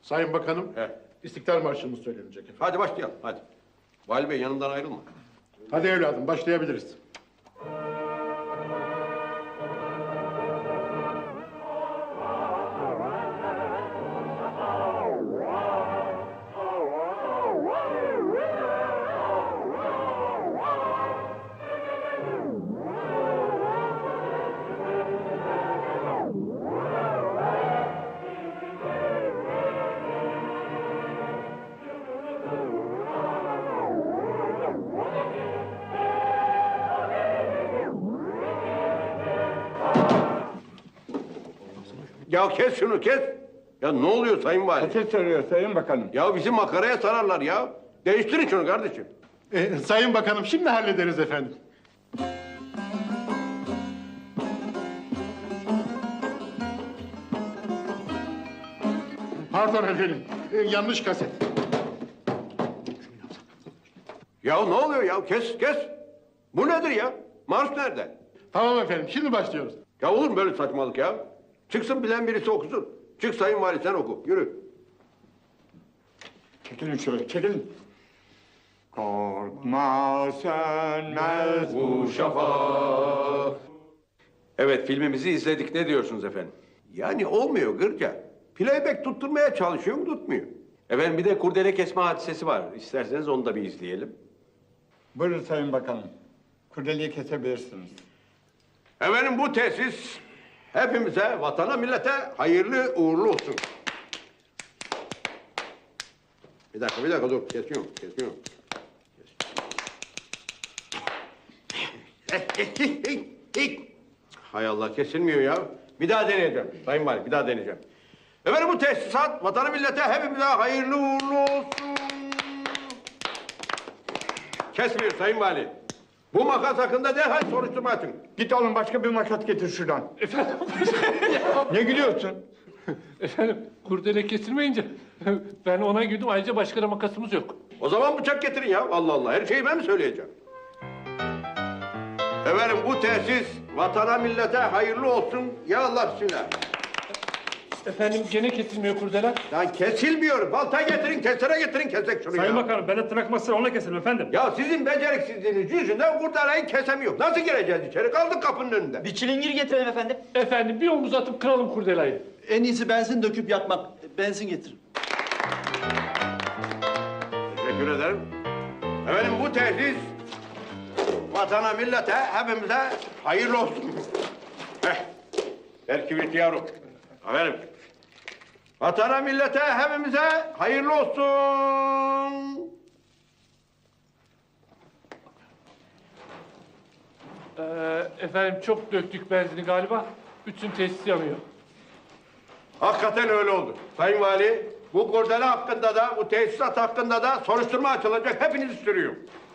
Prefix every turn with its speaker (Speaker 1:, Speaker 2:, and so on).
Speaker 1: Sayın Bakanım,
Speaker 2: He.
Speaker 1: İstiklal Marşı'mız söylenecek efendim.
Speaker 2: Hadi başlayalım, hadi. Vali Bey yanımdan ayrılma.
Speaker 1: Hadi evladım, başlayabiliriz.
Speaker 2: Ya kes şunu, kes! Ya ne oluyor Sayın Vali?
Speaker 3: Ateş sarıyor Sayın Bakanım.
Speaker 2: Ya bizi makaraya sararlar ya. Değiştirin şunu kardeşim.
Speaker 1: Sayın Bakanım, şimdi hallederiz efendim. Pardon efendim, yanlış kaset.
Speaker 2: Ya ne oluyor ya? Kes, kes! Bu nedir ya? Marş nerede?
Speaker 1: Tamam efendim, şimdi başlıyoruz.
Speaker 2: Ya olur mu böyle saçmalık ya? Çıksın bilen birisi okusun. Çık Sayın Vali sen oku, yürü.
Speaker 3: Çekilin şöyle, çekilin. Korkma sönmez bu
Speaker 2: şafak.
Speaker 4: Evet, filmimizi izledik. Ne diyorsunuz efendim?
Speaker 2: Yani olmuyor Gırca. Playback tutturmaya çalışıyorum, tutmuyor.
Speaker 4: Efendim bir de kurdele kesme hadisesi var. İsterseniz onu da bir izleyelim.
Speaker 3: Buyurun Sayın Bakanım. Kurdeleyi kesebilirsiniz.
Speaker 2: Efendim bu tesis hepimize, vatana, millete hayırlı uğurlu olsun. Bir dakika dur, kesiyorum. Hay Allah, kesilmiyor ya. Bir daha deneyeceğim Sayın Vali, bir daha deneyeceğim. Efendim bu tesisat vatana, millete hepimize hayırlı uğurlu olsun. Kesmiyor Sayın Vali. Bu makas hakkında derhal soruşturma açın.
Speaker 3: Git oğlum başka bir makas getir şuradan.
Speaker 5: Efendim,
Speaker 3: Ne gülüyorsun?
Speaker 5: efendim kurdele kesilmeyince ben ona güldüm. Ayrıca başka da makasımız yok.
Speaker 2: O zaman bıçak getirin ya. Allah Allah, her şeyi ben mi söyleyeceğim? Efendim bu tesis vatana, millete hayırlı olsun. Ya Allah bismillah.
Speaker 5: Efendim gene kesilmiyor kurdele.
Speaker 2: Lan kesilmiyor. Balta getirin, kesere getirin, kesek şunu
Speaker 6: Sayın
Speaker 2: ya.
Speaker 6: Bakanım, ben de tırnak masası onunla keselim efendim.
Speaker 2: Ya sizin beceriksizliğiniz yüzünden kurtarayı kesemiyor. Nasıl gireceğiz içeri? Kaldık kapının önünde.
Speaker 7: Bir çilingir getirelim efendim.
Speaker 5: Efendim bir omuz atıp kıralım kurdelayı.
Speaker 7: En iyisi benzin döküp yakmak. Benzin getirin.
Speaker 2: Teşekkür ederim. Efendim bu tesis vatana, millete, hepimize hayırlı olsun. Ver kibriti yavrum. Efendim. Vatana, millete, hepimize hayırlı olsun.
Speaker 5: Efendim çok döktük benzini galiba. Bütün tesis yanıyor.
Speaker 2: Hakikaten öyle oldu. Sayın Vali, bu kurdele hakkında da, bu tesisat hakkında da soruşturma açılacak. Hepinizi sürüyorum.